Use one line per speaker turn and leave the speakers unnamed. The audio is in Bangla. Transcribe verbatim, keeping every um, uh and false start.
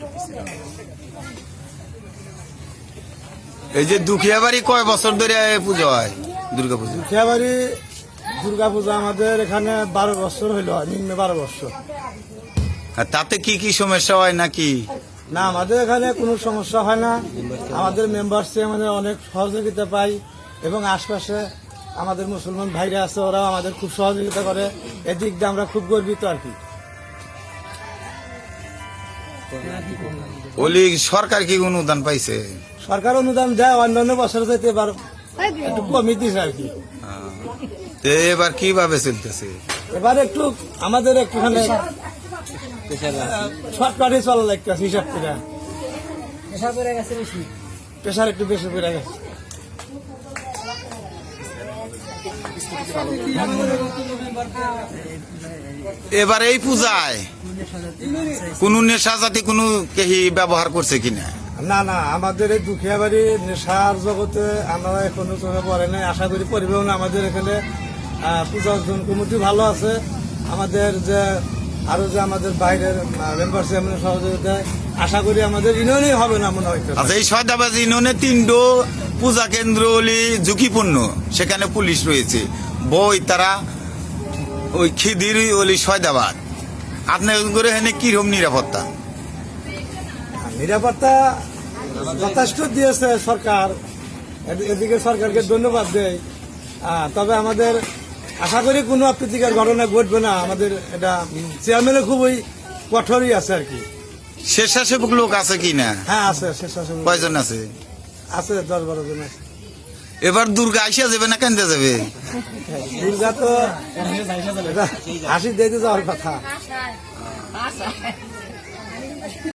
এই যে দুখিয়া বাড়ি কয় বছর ধরে পুজো হয় দুর্গা পুজো?
দুখিয়া বাড়ি দুর্গা পূজা আমাদের এখানে বারো বছর হইল, নিম্ন বারো বছর।
আর তাতে কি কি সমস্যা হয় নাকি?
না, আমাদের এখানে কোনো সমস্যা হয় না। আমাদের মেম্বারসে আমাদের অনেক সহযোগিতা পাই এবং আশপাশে আমাদের মুসলমান ভাইরা আছে, ওরাও আমাদের খুব সহযোগিতা করে। এদিক দিয়ে আমরা খুব গর্বিত আর কি।
ওলি সরকার কি অনুদান পাইছে?
সরকার অনুদান দেয়, অন্যান্য বছর যাইতে এবার একটু কমই দিছে আর কি।
তো এবার কিভাবে চলতেছে?
এবার একটু আমাদের একটুখানি শর্টকাটে চলা লাগতেছে হিসাব করে। প্রেশার একটু বেশি পড়ে গেছে।
এবার এই পূজায় কোন নেশা জাতি কোন কেহি ব্যবহার করছে কিনা?
না না, আমাদের এই দুখিয়া বাড়ি নেশার জগতে আমরা এখনো চোখে পড়ে নাই। আশা করি পরিবহন আমাদের এখানে পূজা অর্জন কমিটি ভালো আছে। আমাদের যে আরো যে আমাদের বাইরের মেম্বার চেয়ারম্যানের সহযোগিতায় আশা করি আমাদের ইউনিয়নই হবে না মনে হয়।
আচ্ছা, এই সয়দাবাদ ইউনিয়নে তিনটো পূজা কেন্দ্র হলি ঝুঁকিপূর্ণ, সেখানে পুলিশ রয়েছে, বই তারা ওই খিদির ওলি সয়দাবাদ। আপনার করে এখানে কিরকম নিরাপত্তা?
নিরাপত্তা যথেষ্ট দিয়েছে সরকার, এদিকে সরকারকে ধন্যবাদ দেয়। তবে আমাদের আশা করি কোনো অপ্রীতিকর ঘটনা ঘটবে না। আমাদের এটা চেয়ারম্যানের খুবই কঠোরই আছে আর কি।
স্বেচ্ছাসেবক লোক আছে কি না?
হ্যাঁ আছে, স্বেচ্ছাসেবক
কয়জন আছে?
আছে দশ বারো জন আছে।
এবার দুর্গা আইসা যাবে না কেন্দ্রে যাবে?
দুর্গা তো হাসি দিতে যাওয়ার কথা।